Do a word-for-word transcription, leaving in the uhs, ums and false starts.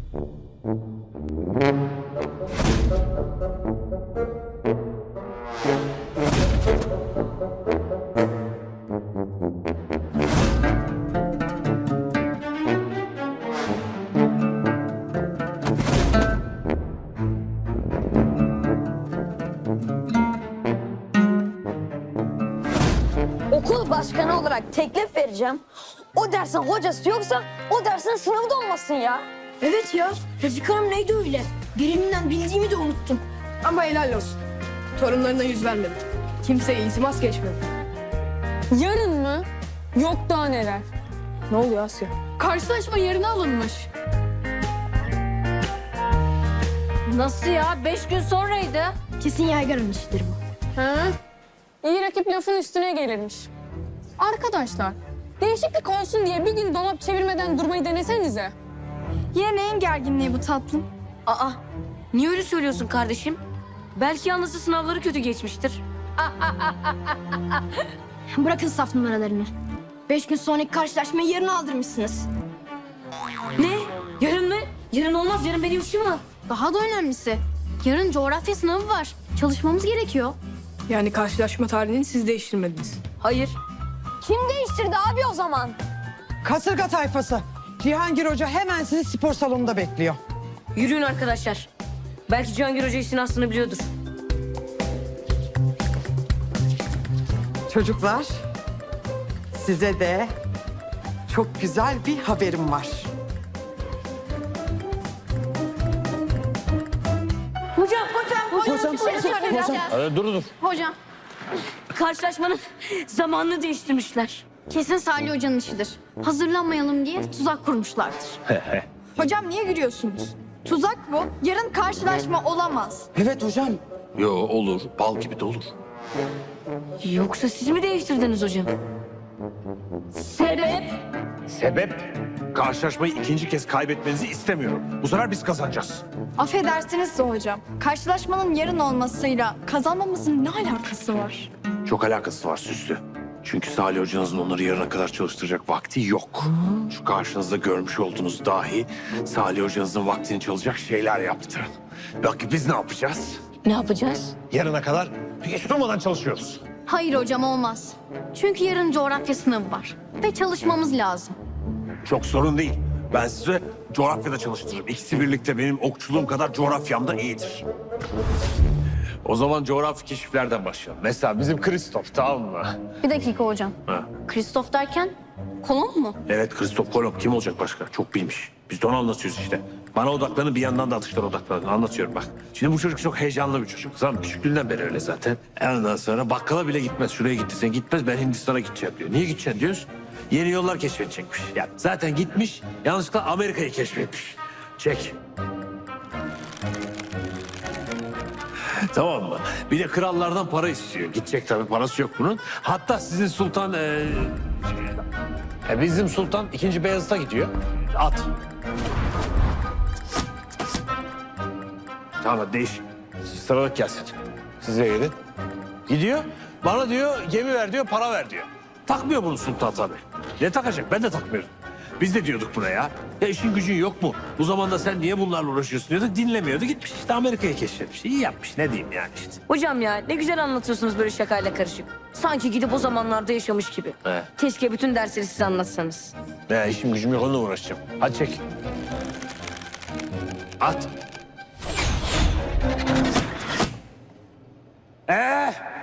Okul başkanı olarak teklif vereceğim. O dersin hocası yoksa o dersin sınavı da olmasın ya. Evet ya. Refik Hanım neydi öyle? Birimden bildiğimi de unuttum. Ama helal olsun. Torunlarına yüz vermedi. Kimseye iltimas geçmedi. Yarın mı? Yok daha neler. Ne oluyor Asya? Karşılaşma yarına alınmış. Nasıl ya? Beş gün sonraydı. Kesin yaygarın işidir bu. Ha? İyi rakip lafın üstüne gelirmiş. Arkadaşlar, değişiklik olsun diye bir gün dolap çevirmeden durmayı denesenize. Yine neyin gerginliği bu tatlım? Aa, niye öyle söylüyorsun kardeşim? Belki yalnızca sınavları kötü geçmiştir. Bırakın saf numaralarını. Beş gün sonraki karşılaşmayı yarına aldırmışsınız. Ne? Yarın mı? Yarın olmaz. Yarın benim işim var. Daha da önemlisi. Yarın coğrafya sınavı var. Çalışmamız gerekiyor. Yani karşılaşma tarihini siz değiştirmediniz. Hayır. Kim değiştirdi abi o zaman? Kasırga tayfası. Cihangir Hoca hemen sizi spor salonunda bekliyor. Yürüyün arkadaşlar. Belki Cihangir Hoca işin aslını biliyordur. Çocuklar, size de çok güzel bir haberim var. Hocam, hocam, hocam. Hocam, hocam. Ee, dur dur. Hocam. Karşılaşmanın zamanını değiştirmişler. Kesin Salih Hoca'nın işidir. Hazırlanmayalım diye tuzak kurmuşlardır. Hocam niye gülüyorsunuz? Tuzak bu. Yarın karşılaşma olamaz. Evet hocam. Yo olur. Bal gibi de olur. Yoksa siz mi değiştirdiniz hocam? Sebep? Sebep? Karşılaşmayı ikinci kez kaybetmenizi istemiyorum. Bu sefer biz kazanacağız. Affedersiniz de hocam. Karşılaşmanın yarın olmasıyla kazanmamızın ne alakası var? Çok alakası var Süslü. Çünkü Salih hocanızın onları yarına kadar çalıştıracak vakti yok. Şu karşınızda görmüş olduğunuz dahi Salih hocanızın vaktini çalacak şeyler yaptı. Bak biz ne yapacağız? Ne yapacağız? Yarına kadar hiç durmadan çalışıyoruz. Hayır hocam olmaz. Çünkü yarın coğrafya sınavı var. Ve çalışmamız lazım. Çok sorun değil. Ben size coğrafyada çalıştırırım. İkisi birlikte benim okçuluğum kadar coğrafyam da iyidir. O zaman coğrafi keşiflerden başlayalım. Mesela bizim Kristof, tamam mı? Bir dakika hocam. Ha. Kristof derken kolon mu? Evet, Kristof Kolomb. Kim olacak başka? Çok bilmiş. Biz de onu anlatıyoruz işte. Bana odaklanın, bir yandan da atışlara odaklanın. Anlatıyorum bak. Şimdi bu çocuk çok heyecanlı bir çocuk. Zaten küçüklüğünden beri öyle zaten. Ondan sonra bakkala bile gitmez. Şuraya gitti sen gitmez, ben Hindistan'a gideceğim diyor. Niye gideceksin diyoruz? Yeni yollar keşfedecekmiş. Yani zaten gitmiş, yanlışlıkla Amerika'yı keşfetmiş. Çek. Tamam mı? Bir de krallardan para istiyor. Gidecek tabii, parası yok bunun. Hatta sizin sultan... E, e, bizim sultan ikinci Beyazıt'a gidiyor. At. Tamam hadi değiş. Siz sıralık gelsin. Size gelin. Gidiyor. Bana diyor gemi ver diyor, para ver diyor. Takmıyor bunu sultan tabii. Ne takacak? Ben de takmıyorum. Biz de diyorduk buna ya. Ya işin gücün yok mu? Bu zamanda sen niye bunlarla uğraşıyorsun diyorduk. Dinlemiyordu. Gitmiş işte Amerika'yı keşfetmiş. İyi yapmış. Ne diyeyim yani işte. Hocam ya ne güzel anlatıyorsunuz böyle şakayla karışık. Sanki gidip o zamanlarda yaşamış gibi. He. Keşke bütün dersleri siz anlatsanız. Ya işim gücüm yok, onunla uğraşacağım. Hadi çek. At. Ee,